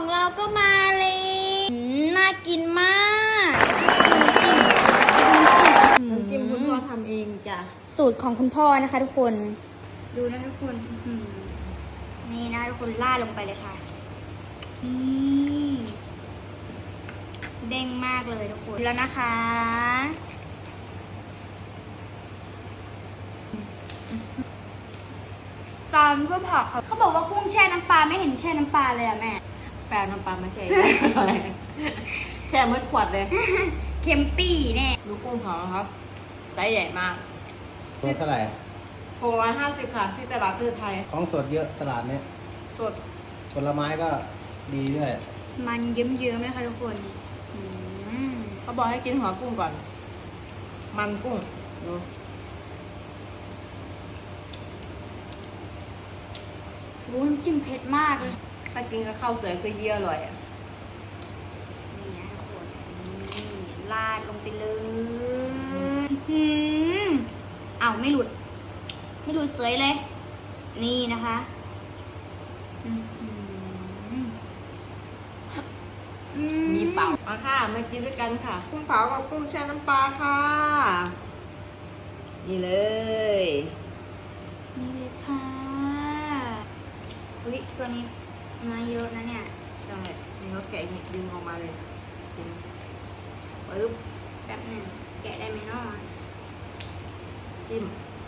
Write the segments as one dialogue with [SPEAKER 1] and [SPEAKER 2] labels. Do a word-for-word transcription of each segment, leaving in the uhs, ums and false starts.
[SPEAKER 1] เราก็มาเลยน่ากินมาก
[SPEAKER 2] น้ำจิ้มคุณพ่อทำเองจ้ะ
[SPEAKER 1] สูตรของคุณพ่อนะคะทุกคนดูนะทุกคนนี่นะทุกคนล่าดลงไปเลยค่ะนี่เด้งมากเลยทุกคนแล้วนะคะตามก็ผักค่ะเขาบอกว่ากุ้งแช่น้ำปลาไม่เห็นแช่น้ำปลาเลยอะแม่
[SPEAKER 2] แปลน้ำปลามาแช่ แช่เมื่อขวดเลย
[SPEAKER 1] เค็มปี้แน่
[SPEAKER 2] ดูกุ้งเขาครับไซส์ใหญ่มาก
[SPEAKER 3] ตัวเท่าไหร่
[SPEAKER 2] หกร้อยห้าสิบค่ะที่ตลาดตื้อไทย
[SPEAKER 3] ของสดเยอะตลาดเนี้ย
[SPEAKER 2] สด
[SPEAKER 3] ผลไม้ก็ดีด้วย
[SPEAKER 1] มันเยิ้มๆเลยค่ะทุกคน
[SPEAKER 2] เขาบอกให้กินหัวกุ้งก่อนมันกุ้งดู
[SPEAKER 1] โอ้น้ำจิ้มเผ็ดมากเลย
[SPEAKER 2] ถ้ากินกับข้าวสวยก็เยี่ยอร่อยอ่ะ
[SPEAKER 1] นี่นะทุกคนลาดลงไปเลยหืมอ้าวไม่หลุดไม่หลุดสวยเลยนี่นะคะ
[SPEAKER 2] มีเปล่ามาค่ะมากินด้วยกันค่ะกุ้งเผากับกุ้งแช่น้ำปลาค่ะนี่เลย
[SPEAKER 1] นี่เลยค่ะอุ้ยตัวนี้มาเยอะนะเนี่ย
[SPEAKER 2] ได้นี่เขาแกะดึงออกมาเลยดึงปึ๊บ
[SPEAKER 1] แป๊บหนึ่งแกะได้ไหมน้อง
[SPEAKER 2] จิ้ม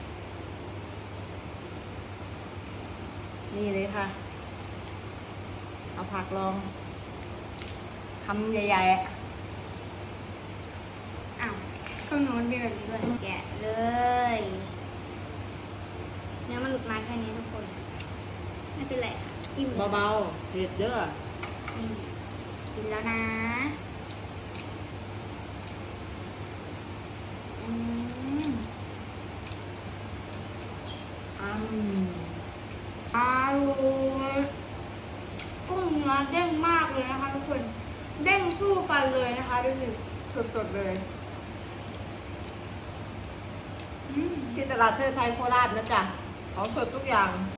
[SPEAKER 2] นี่เลยค่ะเอาผักลองคำใหญ่ๆ
[SPEAKER 1] อ้าวข้างโน้นมีแบบนี้ด้วยแกะเลยเนื้อมันหลุดมาแค่นี้ทุกคนไม่เป็นไรค่ะจิ้ม
[SPEAKER 2] เบาๆเผ็ดเด้อ
[SPEAKER 1] กินแล้วนะอืม
[SPEAKER 2] อืม
[SPEAKER 1] อร่อยกุ้งเนื้อเด้งมากเลยนะคะทุกคนเด้งสู้ฟันเลยนะคะดูสิ
[SPEAKER 2] สดๆเลยที่ตลาดเทอไทยโคราชนะจ๊ะของสดทุกอย่าง